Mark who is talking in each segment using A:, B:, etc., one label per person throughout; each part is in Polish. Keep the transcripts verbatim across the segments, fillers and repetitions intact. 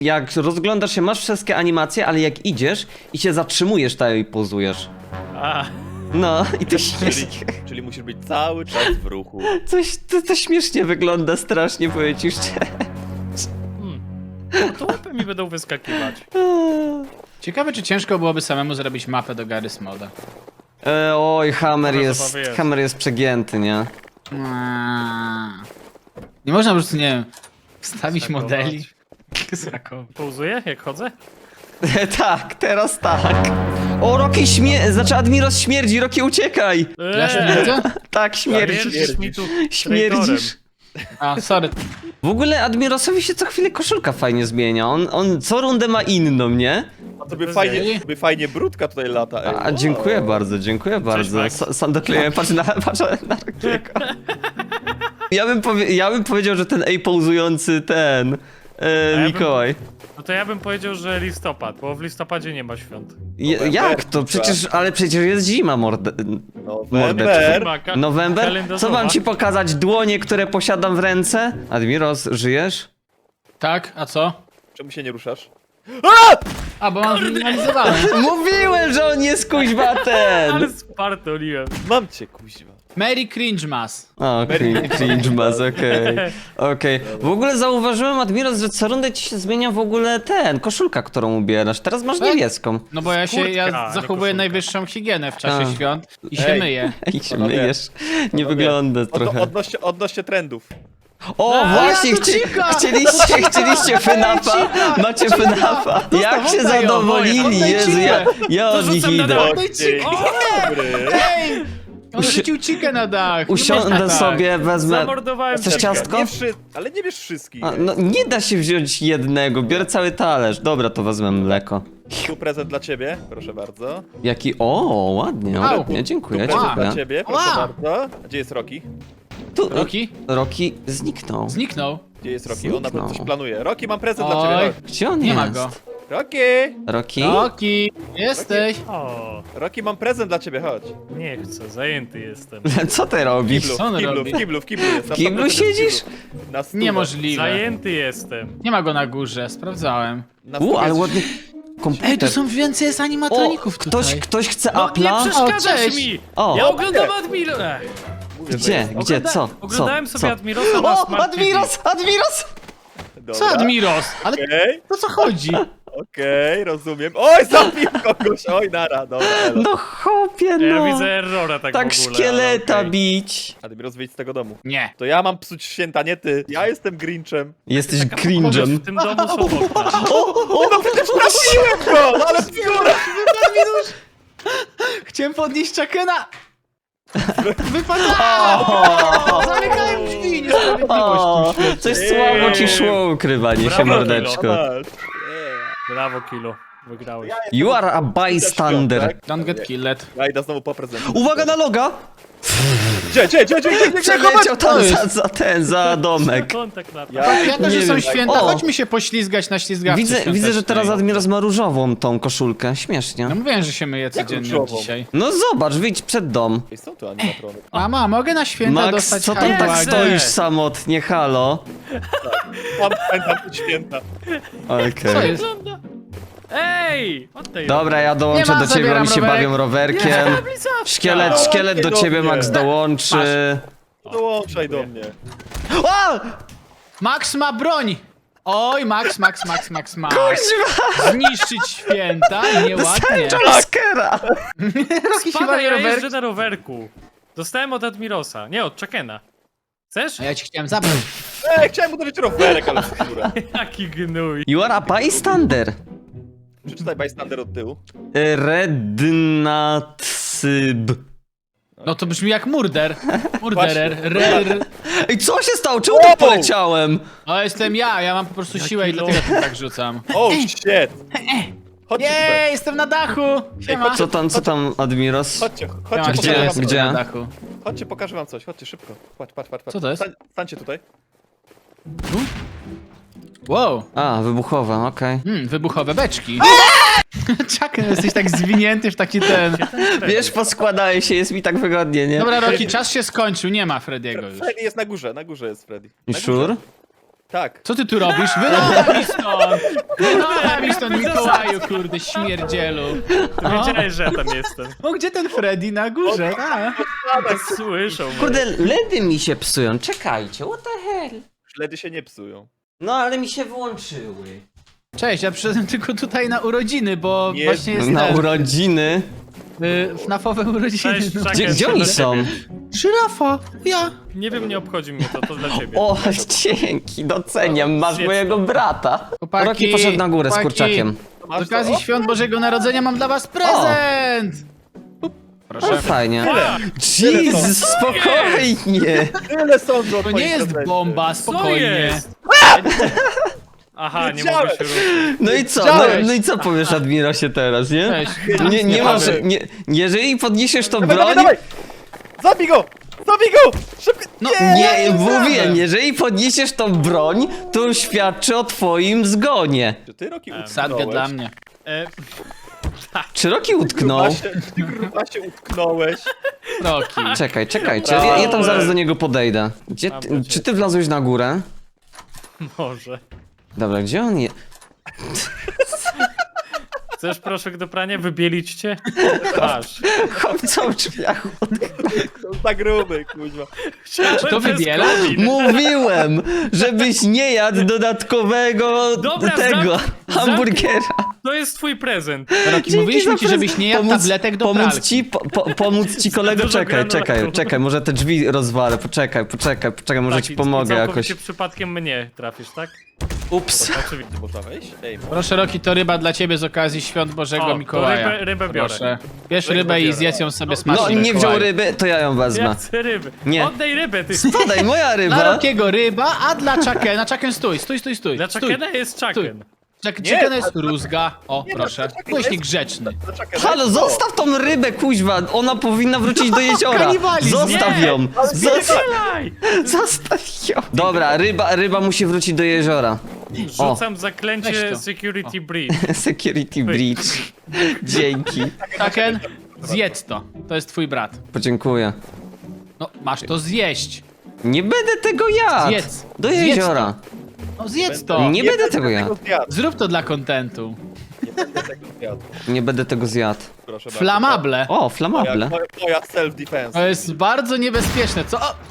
A: jak rozglądasz się, masz wszystkie animacje, ale jak idziesz i się zatrzymujesz, to i pozujesz.
B: A,
A: No, i to
C: Czyli,
A: śmiesznie.
C: czyli musisz być cały czas w ruchu.
A: Coś, to, to śmiesznie wygląda strasznie, powiem ci szczerze.
B: hmm. To łapy mi będą wyskakiwać.
D: Ciekawe, czy ciężko byłoby samemu zrobić mapę do Garry's Moda.
A: E, oj, Hammer
B: Dobra,
A: jest,
B: zabawy jest.
A: Hammer jest przegięty, nie?
D: Aaaa. Nie można po prostu, nie wiem, wstawić
B: Skakować.
D: modeli. Skakować.
B: Pauzuję, jak chodzę?
A: Tak, teraz tak. O, Rocky śmie... Znaczy, Admiros śmierdzi, Rocky uciekaj!
D: Ja śmierdzę?
A: Tak, śmierdzisz.
B: Śmierdzisz mi tu
A: Śmierdzisz.
D: A, sorry.
A: W ogóle Admirosowi się co chwilę koszulka fajnie zmienia. On, on co rundę ma inną, nie?
C: A to by
B: Bez
C: fajnie,
D: jej.
C: by fajnie brudka tutaj lata, ej.
A: A, dziękuję bardzo, dziękuję bardzo.
B: Max.
A: Sa- Sam dokleję, patrz na, patrz na Rockiego. Ja bym, powie... ja bym powiedział, że ten ej pauzujący ten... E,
B: ja bym-
A: Mikołaj.
B: No to ja bym powiedział, że listopad, bo w listopadzie nie ma świąt.
A: Je, jak to? Przecież, ale przecież jest zima, morde...
C: November.
B: Zima, ka-
A: November? Co
B: kalendarzowa.
A: mam ci pokazać? Dłonie, które posiadam w ręce? Admiros, żyjesz?
D: Tak, a co?
C: Czemu się nie ruszasz?
D: A, bo mam zminimalizowane.
A: Mówiłem, że on jest kuźwa ten!
B: Ale spartoliłem.
C: Mam cię, kuźwa.
D: Mary Cringemas.
A: O, cringe, cringe mas, okej. Okej. W ogóle zauważyłem, Admiros, że co rundę ci się zmienia w ogóle ten, koszulka, którą ubierasz. Teraz masz
D: Tak?
A: niebieską.
D: No bo ja się,
B: Kurtka,
D: ja
B: nie
D: zachowuję
B: koszulka.
D: najwyższą higienę w czasie
A: A.
D: świąt i się
C: Ej.
D: myję.
A: Ej, się
C: Panowie,
A: myjesz. Nie
C: Panowie,
A: wygląda
C: Od,
A: trochę.
C: odnośnie, odnośnie trendów.
A: O,
D: A,
A: właśnie,
D: ja to
A: chci
D: cika!
A: chcieliście, chcieliście FNAFa?
D: cika!
A: Macie
D: Cika!
A: FNAFa?
D: Zostaw,
A: Jak się
D: oddaj ją,
A: zadowolili,
D: oddaj
A: Jezu,
D: cikę!
A: ja, ja
B: To
A: od nich
B: rzucam na
A: idę.
B: dach.
D: Oddaj
C: Dzień
D: cikę!
C: dobry.
D: Ej! On rzucił cikę na dach. Nie można
A: Usiądę
D: tak.
A: sobie, wezmę...
B: Zamordowałem
A: Chcesz
B: cię.
A: ciastko?
C: Nie wszy... Ale nie bierz wszystkich.
A: A, no, nie da się wziąć jednego, biorę cały talerz. Dobra, to wezmę mleko.
C: Tu prezent dla ciebie, proszę bardzo.
A: Jaki... O, ładnie,
D: Au.
A: ładnie, dziękuję,
C: Prezent
D: Ła.
C: dla
A: dziękuję.
C: ciebie, proszę
D: Ła.
C: bardzo. A gdzie jest Rocky?
A: Tu,
D: Rocky?
A: Rocky zniknął.
D: Zniknął.
C: Gdzie jest Rocky? On na pewno coś
A: Zniknął.
C: planuje. Rocky, mam prezent dla
D: Oj.
C: ciebie. Chodź.
A: Gdzie on
D: Nie
A: jest?
D: ma go.
C: Rocky!
A: Rocky?
D: Rocky, jesteś.
B: O,
C: Rocky, mam prezent dla ciebie, chodź.
B: nie chcę, zajęty jestem.
A: Co ty
C: W
A: robisz?
C: kiblu,
D: Co on
C: w kiblu,
D: robi?
C: w kiblu, w kiblu jest.
A: W
C: Na
A: kiblu
C: sto procent jest w
A: siedzisz?
C: kiblu. Na stówę.
D: Niemożliwe.
B: Zajęty jestem.
D: Nie ma go na górze, sprawdzałem.
C: Na
A: U,
C: stówę
A: ale
C: jest-
A: ładny komputer.
D: Ej, tu są więcej jest
A: O,
D: animatroników tutaj.
A: ktoś, ktoś chce
B: No nie
A: Apple'a?
B: przeszkadzasz
D: O, cześć.
B: mi!
A: O.
B: Ja oglądam Admiro... Ech.
C: Mówię, że
A: Gdzie?
C: jest.
A: Gdzie?
B: Ogląda-
A: Co?
B: Oglądałem
A: Co?
B: sobie
A: Co?
B: Admirosa na
A: O,
B: Smart T V.
A: Admiros! Admiros!
C: Dobra.
D: Co, Admiros? Ale
C: Okej,
D: o co chodzi?
C: okej, rozumiem. Oj, zabił kogoś, oj, nara, dobra. elo.
A: No chłopie, no.
B: Ja widzę errora tak,
A: tak
B: w ogóle.
A: szkieleta
B: ale okej.
A: bić.
C: Admiros, wyjdź z tego domu.
D: Nie.
C: To ja mam psuć święta, nie ty. Ja jestem Grinchem.
A: Jesteś
B: Kogoś
A: cringe'em.
B: w tym domu są okna.
C: O, no przecież trafiłem go! No ale pióra!
D: Chciałem podnieść Chakena. Wypadałem! Zamykałem drzwi, niesprawiedliwość
A: O,
D: w tym świecie.
A: coś słabo ci szło, ukrywanie się,
B: Brawo,
A: mordeczko.
C: Masz.
B: Brawo, Kilo. Wygrałeś.
A: You are a bystander.
D: Don't get killed.
C: Ja idę znowu po prezent.
A: Uwaga na loga!
C: Gdzie, gdzie, gdzie, gdzie, gdzie, gdzie,
A: Przeleciał tam
D: to
A: za,
D: jest?
A: za ten, za domek.
B: Kontakt na to.
C: Ja,
D: Jako,
A: Nie
D: że są
A: wiem.
D: święta,
A: O!
D: chodźmy się poślizgać na ślizgawce
A: Widzę, widzę, że
D: świątecznej.
A: teraz Admiros ma różową tą koszulkę. Śmiesznie.
D: No mówiłem, że się myję codziennie od
C: różową?
D: dzisiaj.
A: No zobacz, wyjdź przed dom.
C: Ej, są tu animatrony.
D: Mama, mogę na święta
A: Max,
D: dostać
A: co tam tak
D: hałagi?
A: stoisz samotnie, halo?
C: Mam pamiętam te święta.
A: Okej.
D: Co jest?
B: Ej! Oddaj ją.
A: Dobra, ja dołączę
D: Nie ma,
A: do ciebie,
D: zabieram
A: oni się
D: rowerek.
A: bawią rowerkiem. Szkielet,
C: No,
A: szkielet do
C: nie do
A: ciebie,
C: mnie.
A: Max, dołączy.
C: Dołączaj do mnie.
A: O!
D: Max ma broń! Oj, Max, Max, Max, Max, Max. Zniszczyć święta? Nieładnie.
A: Jumpscare'a!
D: Rocky się
B: Pada,
D: bawi
B: ja
D: rowerkiem.
B: jeżdżę na rowerku. Dostałem od Admirosa. Nie, od Chakena. Chcesz?
D: A ja ci chciałem zabrać.
C: Ej, chciałem uderzyć rowerek, ale skóra.
B: Jaki gnój.
A: You are a bystander.
C: Przeczytaj bystander od tyłu.
A: Rednatsyb.
D: No to brzmi jak murder. Murderer. Rer.
A: Ej, co się stało? Czemu tak poleciałem?
D: O, jestem ja, ja mam po prostu siłę i dlatego tu tak rzucam.
C: Oh shit! Chodźcie tutaj.
D: Jej, jestem na dachu! Siema.
A: Co tam, co tam, Admiros?
C: Chodźcie,
D: Siema,
C: chodźcie,
A: Gdzie?
C: pokażę wam
D: jestem
C: coś.
A: Gdzie?
D: na dachu.
C: Chodźcie, pokażę wam coś. Chodźcie szybko. Patrz, patrz, patrz. patrz.
D: Co to jest?
C: Stań, stańcie tutaj.
D: Wow.
A: A, wybuchowa, okej.
D: Hmm, wybuchowe beczki. Chucken, jesteś tak zwinięty w taki ten...
A: Wiesz, poskładaję się, jest mi tak wygodnie, nie?
D: Dobra, Rocky, czas się skończył, nie ma Frediego już.
C: Freddy jest na górze, na górze jest Freddy.
A: I
C: Na
A: sure?
C: górze. Tak.
D: Co ty tu robisz? Wynocha mi stąd! Wynocha mi stąd, Mikołaju, kurde, śmierdzielu.
B: Ty wiedziałeś, że ja tam jestem.
D: O, gdzie ten Freddy na górze? A.
B: Słyszą mnie.
A: Kurde, ledy mi się psują, czekajcie, what the hell?
C: Śledy się nie psują.
A: No ale mi się wyłączyły.
D: Cześć, ja przyszedłem tylko tutaj na urodziny, bo
C: Nie,
D: właśnie jest
A: Na
D: ten,
A: urodziny.
D: y, FNAF-owe urodziny.
B: Cześć,
D: no.
B: Chucken,
A: Gdzie, gdzie
B: to
A: oni
B: dla
A: są?
B: ciebie.
D: Żyrafa, ja.
B: Nie wiem, nie obchodzi mnie to, to dla ciebie.
A: O, dzięki, doceniam, masz
B: Zjedz
A: mojego
B: to.
A: brata.
D: Chłopaki,
A: Rocky poszedł na górę z
D: chłopaki.
A: kurczakiem.
D: Z okazji świąt Bożego Narodzenia mam dla was prezent! Up.
A: O,
D: Proszę.
A: fajnie.
B: A,
A: Jezus, spokojnie.
C: Tyle sądzą o
D: To nie
C: twoim
D: jest
C: prezencie.
D: bomba,
B: co
D: spokojnie.
B: jest? Aha, nie
C: Wiedziałem.
B: mogę się ruszyć.
A: No i co, no,
D: Widziałeś.
A: no i co powiesz Admirosie teraz, nie?
D: Cześć.
A: Nie, nie
D: Nie
A: masz,
D: powiem.
A: nie, jeżeli podniesiesz tą
C: Dawaj,
A: broń...
C: dawaj, dawaj! Zabij go! Zabij go! Szybko!
D: No,
A: Nie, mówię,
D: zabrałem.
A: jeżeli podniesiesz tą broń, to świadczy o twoim zgonie.
C: Czy ty, Roki, utknąłeś?
D: Sadkę dla mnie.
B: E,
A: Czy Rocky utknął?
C: Gruba się, ty gruba się utknąłeś.
D: Roki.
A: Czekaj, czekajcie, ja, ja tam zaraz do niego podejdę. Gdzie ty, czy ty wlazłeś na górę?
B: może.
A: Dobra, gdzie on jest?
B: Chcesz proszek do prania? Wybielić cię? Masz.
A: Chłopca w drzwiach.
C: To za gruby, kuźwa.
B: Czy
D: to wybiela?
A: Mówiłem, żebyś nie jadł dodatkowego
B: Dobra,
A: tego
B: zamknij-
A: hamburgera.
B: To jest twój prezent.
D: Roki,
A: Dzięki
D: mówiliśmy
A: za
D: ci,
A: prez-
D: żebyś nie jadł
A: pomóc-
D: tabletek do
A: pomóc
D: pralki.
A: ci, po, po, pomóc ci kolego,
B: Dużo
A: czekaj, czekaj,
B: granulatu.
A: czekaj, może te drzwi rozwalę, poczekaj, poczekaj, poczekaj, może
B: Tak,
A: ci
B: i-
A: pomogę
B: i
A: jakoś.
B: całkowicie przypadkiem mnie trafisz, tak?
A: Ups.
B: Oczywiście.
C: Można wejść? Ej, mo-
D: Proszę, Roki, to ryba dla ciebie z okazji świąt Bożego
B: O, to
D: Mikołaja.
B: rybę- rybę biorę.
D: Proszę. Bierz
B: Rybę
D: rybę i
B: biorę.
D: zjedz ją sobie
B: No,
D: smacznie.
A: No i nie wziął
D: Mikołaju.
A: ryby, to ja ją wezmę.
B: Ja chcę ryby.
A: Nie.
B: Oddaj rybę, ty.
A: Spadaj, moja
D: Dla
A: ryba.
D: Rokiego ryba, a dla Chuckena, Chucken stój, stój, stój, stój.
B: Dla
D: stój.
B: Chuckena jest Chucken.
D: Chuck-
C: Nie,
D: Chucken jest
C: a-
D: rózga. O,
C: Nie,
D: proszę.
C: to Chucken
D: Byłeś
C: jest-
D: niegrzeczny.
C: Zaczekaj,
A: Halo,
C: daj-
A: zostaw tą rybę, kuźwa, ona powinna wrzucić do jeziora.
D: Kanibalizm.
A: Zostaw
B: Nie.
A: ją. Zostaw,
B: Strzelaj!
A: zostaw ją. Dobra, ryba, ryba musi wrócić do jeziora.
B: Rzucam
D: Weź
B: zaklęcie
D: to.
B: Security Breach.
A: Security breach. Dzięki.
D: Chucken, zjedz to. To jest twój brat.
A: Podziękuję.
D: No, masz to zjeść.
A: Nie będę tego jadł.
D: Zjedz.
A: Do
D: Zjedz
A: jeziora.
D: No, zjedz to.
A: Nie będę tego jadł.
C: zjadł.
D: Zrób to dla kontentu.
C: Nie będę tego zjadł.
A: Nie będę tego zjadł.
C: Proszę bardzo.
D: Flamable.
A: O,
C: Moja,
A: flamable.
C: moja, moja self-defense.
D: To jest bardzo niebezpieczne. Co? O,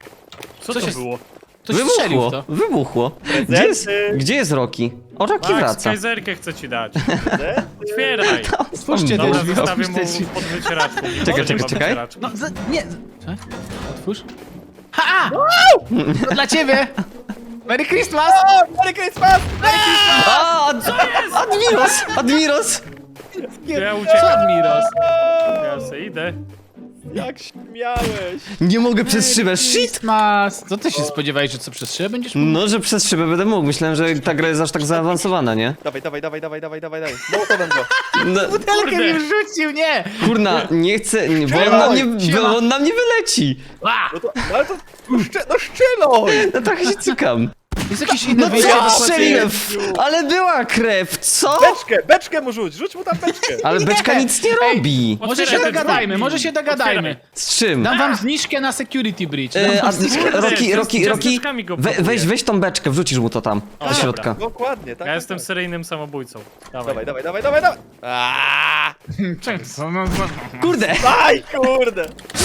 B: Co
D: Co
B: to
D: się-
B: było?
D: ktoś strzelił w
A: Wybuchło,
D: to.
A: wybuchło. Gdzie jest,
C: Prezenty.
A: gdzie jest Rocky? O, Rocky
B: Max,
A: wraca.
B: kajzerkę chcę ci dać.
C: Prezenty.
B: Otwieraj.
D: Otwórzcie te
B: Dobra,
D: drzwi,
B: zostawię
D: otwórzcie
B: mu
D: drzwi.
B: pod wycieraczką. Nie
A: Czekaj,
B: ma
A: czekaj, czekaj.
B: wycieraczki.
D: No, za, nie. Co? Otwórz. Ha! To dla ciebie! Merry Christmas!
C: O, Merry Christmas! Merry Christmas!
A: A, Ad Admiros! Admiros!
B: Ja
D: Co,
B: uciekam.
D: Admiros?
B: Ja se idę.
C: Jak śmiałeś!
A: Nie mogę przez szybę. Shit!
D: Christmas! Co ty się spodziewałeś, że co przez szybę będziesz mógł?
A: No, że przez szybę będę mógł. Myślałem, że ta gra jest aż tak zaawansowana, nie?
C: Dawaj, dawaj, dawaj, dawaj, dawaj, dawaj, dawaj. No to będę.
A: No,
D: Butelkę
B: Kurde.
D: mi rzucił, nie!
A: kurna, nie chcę, nie, bo on na mnie,
D: Siema.
A: bo on na mnie wyleci.
D: A!
C: No to, no ale to, no, szcze, no szczeloj!
A: No trochę się cykam.
D: Jest jakieś inne
A: No
D: wyjście
A: co
D: do
A: strzeliłem?
D: płacenia?
A: Ale była krew, co?
C: Beczkę, beczkę mu rzuć, rzuć mu tam beczkę.
A: Ale beczka nic nie robi.
D: Może się
B: Otwieraj te
D: dogadajmy,
B: drzwi.
D: może się dogadajmy.
B: Otwieraj.
A: Z czym?
D: Dam wam zniżkę na security bridge. Dam
A: E,
D: wam
A: a,
D: zniżkę.
A: Rocky, Rocky,
B: z
A: Rocky,
B: ciasteczkami go
A: we,
B: próbuję.
A: weź, weź tą beczkę, wrzucisz mu to tam, do
B: dobra.
A: środka.
C: Dokładnie, tak.
B: Ja
C: tak,
B: jestem
C: tak.
B: seryjnym samobójcą. Dawaj.
C: Dawaj, dawaj, dawaj, dawaj, dawaj! Aaaa!
D: Co? No, no.
A: Kurde!
C: Aj, kurde!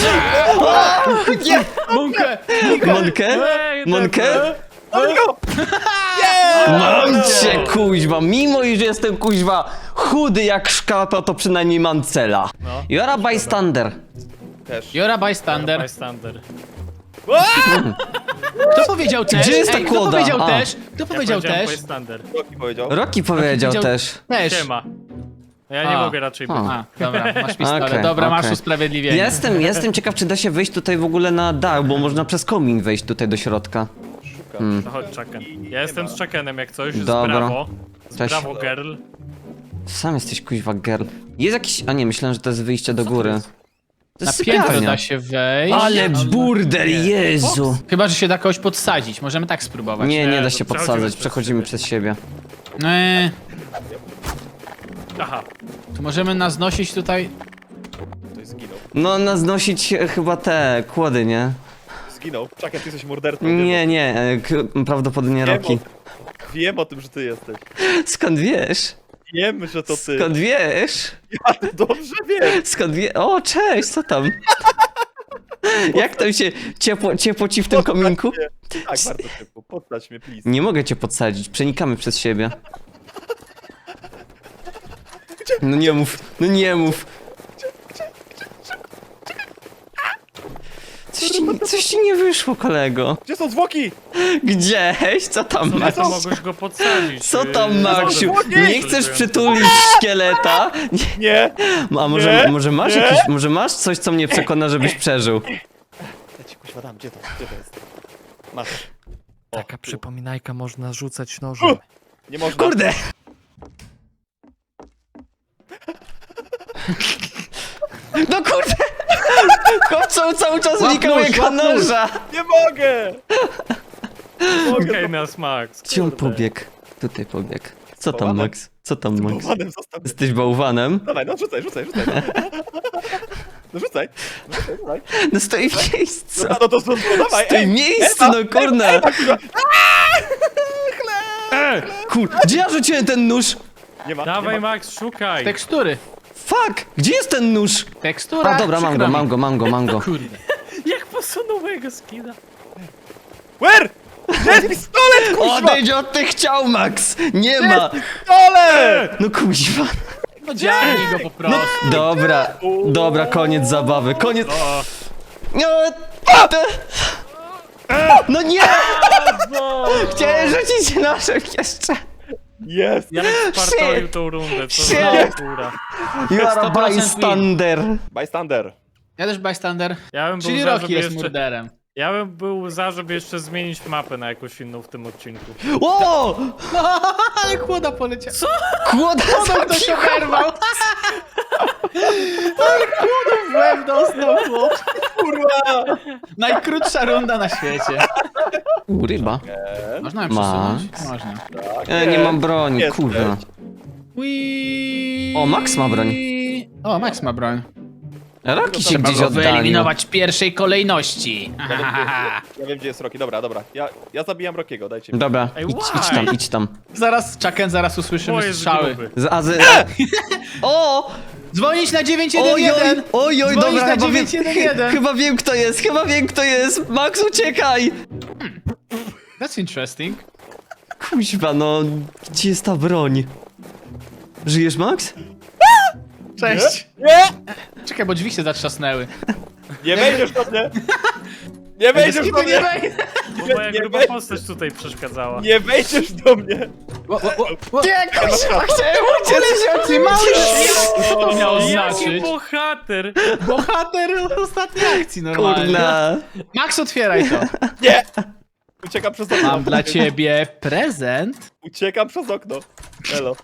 A: Nie!
D: Monkę!
A: Monkę?
B: Ej,
A: Monkę?
C: Dawaj go! Yeah!
A: Mam cię, kuźwa, mimo iż jestem, kuźwa, chudy jak szkapa, to przynajmniej mam cela.
B: No.
A: Jora bystander.
C: Też.
D: You're a bystander.
B: Bystander.
D: Kto powiedział też?
A: Gdzie jest ta
D: Ej, kto
A: kłoda?
D: powiedział
A: A.
D: też? Kto powiedział
B: powiedziałem
D: też?
B: Bystander.
C: Roki powiedział.
A: Rocky powiedział
D: powiedział-
A: też.
D: Też.
B: Siema. Ja nie
D: A.
B: mogę raczej być.
A: A.
D: A, dobra, masz pistolet.
A: Okej,
D: Dobra, masz
A: okej.
D: usprawiedliwienie.
A: Jestem, jestem ciekaw, czy da się wejść tutaj w ogóle na dach, bo można przez komin wejść tutaj do środka.
C: Szukam.
B: No chodź, Chucken. Ja jestem z Chuckenem jak coś, z
A: Dobra.
B: Brawo. Z
A: Cześć.
B: Brawo Girl.
A: Sam jesteś, kuźwa, girl. Jest jakiś... A nie, myślałem, że to jest wyjście do góry. To
D: Na
A: jest
D: piętro
A: sypialnia.
D: da się wejść.
A: Ale burdel, Jezu!
D: Chyba, że się da kogoś podsadzić. Możemy tak spróbować.
A: Nie, nie
B: Nie,
A: da
B: to
A: się
B: przechodzimy
A: podsadzać,
B: przez
A: przechodzimy
B: siebie.
A: przez siebie.
D: Eee,
B: Aha.
D: to możemy nas nosić tutaj.
C: Ktoś zginął.
A: No, na znosić e, chyba te kłody, nie?
C: zginął. Czekaj, ty jesteś mordercą.
A: Nie, nie, e, k- prawdopodobnie
C: Wiem
A: Roki.
C: o, wiem o tym, że ty jesteś.
A: Skąd wiesz?
C: Wiem, że to ty.
A: Skąd wiesz?
C: Ja to dobrze wiem.
A: Skąd wie... O, cześć, co tam? Jak tam się ciepło, ciepło ci w tym
C: Podstać
A: kominku?
C: mnie. Tak, bardzo szybko. Podstać mnie, please.
A: Nie mogę cię podsadzić, przenikamy przez siebie. No nie mów, no nie mów. Coś ci, coś ci nie wyszło, kolego.
C: Gdzie są zwłoki?
A: Gdzieś? Co tam,
B: No
A: Max?
B: to mogłeś go podsadzić.
A: Co
B: yy,
A: tam, Maksiu?
C: zwłoki!
A: Nie chcesz przytulić szkieleta? Nie.
C: Nie.
A: A może,
C: Nie,
A: może masz
C: nie.
A: jakiś, może masz coś, co mnie przekona, żebyś przeżył?
C: Ja ci kuźwa dam, gdzie to? Gdzie to jest? Masz. O,
B: Taka
C: tu.
B: przypominajka można rzucać nożem.
C: U! Nie można.
A: Kurde! No kurde! Chłop cały, cały czas
D: Łap
A: unikał
D: nóż,
A: jego
D: łap nóż.
A: noża!
C: Nie mogę! Nie mogę.
B: Okej, nas Max.
A: Gdzie on
C: Kurde.
A: pobiegł? Tutaj pobiegł. Co tam,
C: Bałwanem?
A: Max? Co tam, Max?
C: Bałwanem zostaw mnie.
A: Jesteś bałwanem?
C: Dawaj, no rzucaj, rzucaj, rzucaj. No rzucaj. No rzucaj, rzucaj.
A: No stoi w miejscu!
C: No, no to no, no, dawaj,
A: Stoi w
C: ej!
A: miejscu, no kurna!
C: Ewa, kurwa.
A: E, Kur... Gdzie ja rzuciłem ten nóż?
C: Nie ma,
B: Dawaj
C: nie ma.
B: Max, szukaj.
D: Tekstury.
A: Fuck! Gdzie jest ten nóż?
D: Tekstura.
A: A dobra, mam
D: przykro
A: go,
D: mi.
A: mam go, mam go, mam go.
D: Kurde.
B: Jak posunął mojego skina?
C: Where? Jest pistolet, kuźwa!
A: Odejdź od tych ciał, Max! Nie ma!
C: Pistolet!
A: No kuźwa.
D: No dzielnij go po prostu.
A: Dobra, dobra, koniec zabawy, koniec...
B: O,
A: No, te- no nie! Chciałem rzucić nożem jeszcze.
C: Jest!
B: ja spartolił tą rundę, co
A: Shit.
B: za kura.
A: You are a
D: sto procent
A: bystander.
C: Bystander.
D: Ja też bystander.
B: Ja bym był
D: Czyli
B: za,
D: Rocky
B: żeby
D: jest
B: jeszcze...
D: murderem.
B: Ja bym był za, żeby jeszcze zmienić mapę na jakąś inną w tym odcinku.
A: O!
D: Ale chłoda poleciał. Co?
A: Kłoda
D: Chłodą ktoś oberwał. Ale chłodą w łeb dostał chłop.
C: Kurwa!
D: Najkrótsza runda na świecie.
A: U, ryba.
D: Można ją
A: Max.
D: przesunąć? Można.
C: Tak,
A: E, nie mam broni,
C: Jesteś.
A: kurwa.
D: Ui.
A: O, Max ma broń.
D: O, Max ma broń.
A: Roki się
D: Trzeba
A: gdzieś
D: go
A: oddalił.
D: wyeliminować w pierwszej kolejności.
C: Ja wiem, gdzie, ja wiem, gdzie jest Rocky. Dobra, dobra. Ja, ja zabijam Rockiego, dajcie mi.
A: Dobra,
B: Ej,
A: idź,
B: why?
A: idź tam, idź tam.
D: Zaraz, Chucken, zaraz usłyszymy
B: Bo jest
D: strzały.
B: gruby.
A: Z, a z... O!
D: Dzwonić na dziewięć jeden
A: Oj,
D: jeden!
A: oj, oj,
D: Dzwonić
A: dobra,
D: na
A: chyba wiem,
D: dziewięć jeden jeden.
A: chyba wiem kto jest, chyba wiem kto jest. Max, uciekaj!
D: That's interesting.
A: Kuźwa, no, gdzie jest ta broń? Żyjesz, Max?
D: Cześć.
C: Nie!
D: Czekaj, bo drzwi się zatrzasnęły.
C: Nie wejdziesz do mnie! Nie wejdziesz do mnie!
B: Bo moja
C: Nie
B: gruba
C: weź-
B: postać tutaj przeszkadzała.
C: Nie wejdziesz do mnie!
D: Wo, wo, wo, wo.
A: Nie, kuźwa, chciałem uciec!
D: Ty mały Co to miało
B: Jaki
D: znaczyć?
B: bohater!
D: Bohater ostatniej akcji normalnie.
A: Kurna.
D: Max, otwieraj to.
C: Nie! Uciekam przez okno.
D: Mam dla ciebie prezent.
C: Uciekam przez okno. Elo.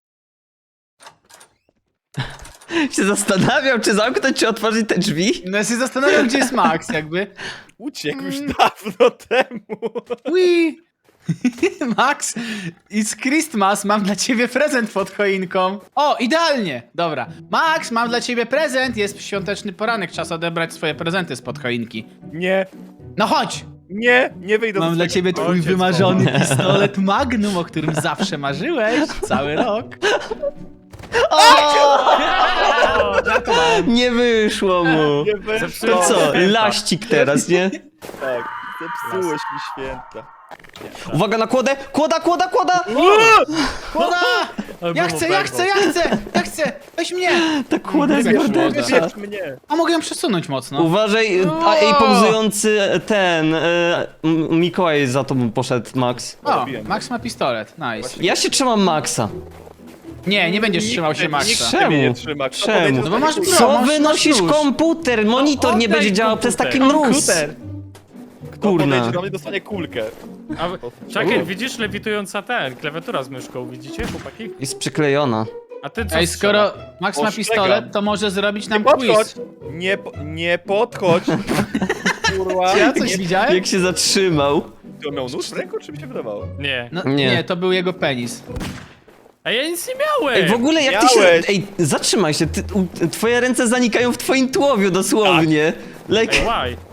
A: Się zastanawiam, czy zamknąć, czy otworzyć te drzwi.
D: No ja się zastanawiam, gdzie jest Max, jakby.
C: Uciekł już dawno temu.
D: Ui. Max, it's Christmas, mam dla ciebie prezent pod choinką. O, idealnie, dobra. Max, mam dla ciebie prezent, jest świąteczny poranek, czas odebrać swoje prezenty spod choinki.
C: Nie,
D: No chodź!
C: nie, nie wyjdę
D: Mam
C: z
D: dla
C: tego.
D: ciebie twój
B: Ojciec
D: wymarzony pistolet Magnum, o którym zawsze marzyłeś cały rok.
B: O,
A: Nie wyszło mu.
C: Nie wyszło.
A: To co,
B: Święta.
A: laścik teraz, nie?
C: Tak, zepsułeś mi święta.
A: Uwaga na kłodę! Kłoda, kłoda, kłoda!
D: Kłoda!
B: albo
D: Ja chcę, ja chcę, ja chcę, ja chcę! Weź mnie!
A: Ta kłoda jest
D: Jak
A: mordercza.
D: szło,
C: Wybierz mnie.
D: A mogę ją przesunąć mocno.
A: Uważaj, a ej, pauzujący ten, e, M- Mikołaj za tobą poszedł, Max.
D: O,
C: Robiłem.
D: Max ma pistolet, nice.
A: Ja się trzymam Maxa.
D: Nie, nie będziesz trzymał się
C: Nikt
D: Maxa.
A: Czemu?
C: mnie nie trzyma. Kto
A: Czemu?
C: podejdzie
D: No
C: do
D: bo masz
C: takiej
D: broń.
A: Co
D: masz-
A: wynosisz
D: masz nóż.
A: komputer? Monitor nie
B: oddaj
A: będzie działał przez taki
B: komputer.
A: mróz.
C: Komputer. Kto
A: Kurna.
C: podejdzie do mnie, dostanie kulkę.
B: A, czekaj, widzisz lewitująca ten, klawiatura z myszką, widzicie, chłopaki?
A: Jest przyklejona.
B: A ty co
D: Ej,
B: strzela?
D: skoro Max ma
C: Ostrzegam.
D: pistolet, to może zrobić
C: Nie
D: nam
C: podchodź!
D: quiz.
C: Nie, po, nie podchodź! Kurwa.
D: Ja coś widziałem?
A: Jak się zatrzymał.
C: Ty on miał nóż w ręku, czy mi się wydawało?
B: Nie.
D: No,
A: Nie.
D: nie. to był jego penis.
B: A ja nic nie miałem!
A: Ej, w ogóle jak ty się...
C: Miałeś.
A: Ej, zatrzymaj się, ty, u, twoje ręce zanikają w twoim tułowiu dosłownie. Like...
B: Ej, why?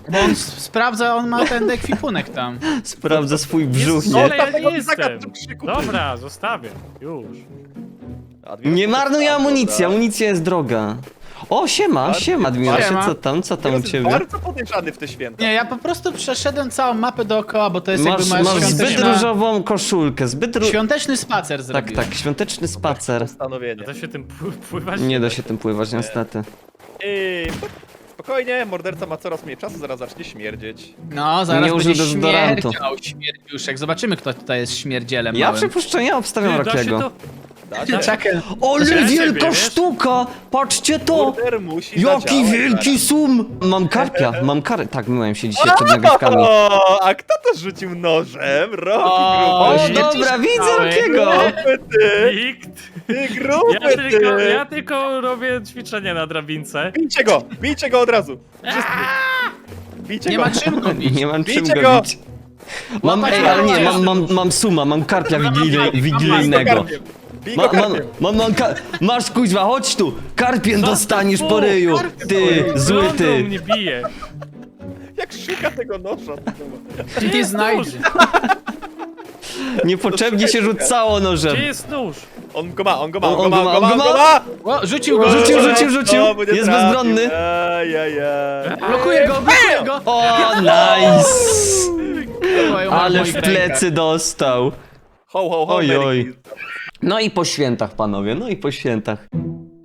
D: Bo on s- sprawdza, on ma ten ekwipunek tam.
A: Sprawdzę swój brzuch,
B: Jest,
A: nie?
B: ale ja
C: Zostaw tego
B: nie
C: ptaka
B: jestem.
C: przy krzyku.
B: Dobra, zostawię. Już.
C: Admiros,
A: Nie marnuj
C: dobra.
A: amunicji, amunicja jest droga. O, siema,
C: Bardzo
A: siema, Admirasie,
D: siema.
A: co tam, co tam u
C: Admiros jest
A: ciebie?
C: bardzo podejrzany w te święta.
D: Nie, ja po prostu przeszedłem całą mapę dookoła, bo to jest
A: Masz,
D: jakby moja
A: masz zbyt
D: świąteczna...
A: różową koszulkę, zbyt ró...
D: Świąteczny spacer
A: Tak,
D: zrobiłem.
A: tak, świąteczny spacer.
C: Postanowienie.
B: Da się tym pły- pływać?
A: Nie da się tym pływać, niestety.
C: Ej, spokojnie, morderca ma coraz mniej czasu, zaraz zacznie śmierdzieć.
D: No, zaraz
A: Nie użył
D: będzie
A: dezodorantu.
D: śmierdział, śmierdziuszek. Zobaczymy, kto tutaj jest śmierdzielem
A: Ja
D: małym.
A: przypuszczenia obstawiam
B: Ty, da się
A: Rockiego.
B: to...
C: Da się?
D: Czekaj.
A: Ole,
B: Dla
A: wielka
B: ciebie, wiesz?
A: sztuka! Patrzcie to!
C: Morder musi
A: Jaki
C: zadziałać
A: wielki sum! Mam karpia, mam karę. Tak, myłem się dzisiaj przed nagrywkami.
C: O, a kto to rzucił nożem? Roki
A: O,
C: gruby.
B: nie
A: dobra, widzę
B: czytałem.
A: Rockiego!
C: Gruby ty!
B: Nikt.
C: Ty gruby
B: Ja tylko,
C: ty!
B: ja tylko robię ćwiczenie na drabince.
C: Bijcie go! Bijcie go od razu! Wszyscy! Bijcie
D: Nie
C: go!
D: ma czym go bić.
A: Nie mam czym
C: Bijcie
A: go
C: go!
A: bić. Mam,
D: Łapać
A: ej,
D: go,
A: ale nie,
D: łapać
A: mam,
D: go.
A: mam, mam suma, mam karpia wigilej, wigilijnego.
C: Bij go
A: Ma, mam,
C: karpiem!
A: mam, mam ka- masz kuźwa, chodź tu! Karpiem dostaniesz po
B: fu,
A: ryju! Ty, zły
B: Lądu
A: ty!
B: mnie bije.
C: Jak szuka tego noża?
D: Czy nie znajdzie?
A: Niepotrzebnie się rzucało nożem.
B: Gdzie jest nóż?
C: On go ma, on go ma,
A: On
C: on go ma, on go ma, on go ma!
D: O, rzucił go,
A: Rzucił,
D: rzucił,
A: rzucił, rzucił!
C: O, bo nie
A: Jest
C: trafił.
A: bezbronny!
C: Ajajaj.
D: Blokuję go, blokuję go!
A: O, nice!
D: Oj,
A: Ale
D: moich
A: w
D: rękach.
A: plecy dostał.
C: Ho, ho, ho,
A: Oj,
C: Merry
A: oj.
C: Christmas.
A: No i po świętach, panowie, no i po świętach.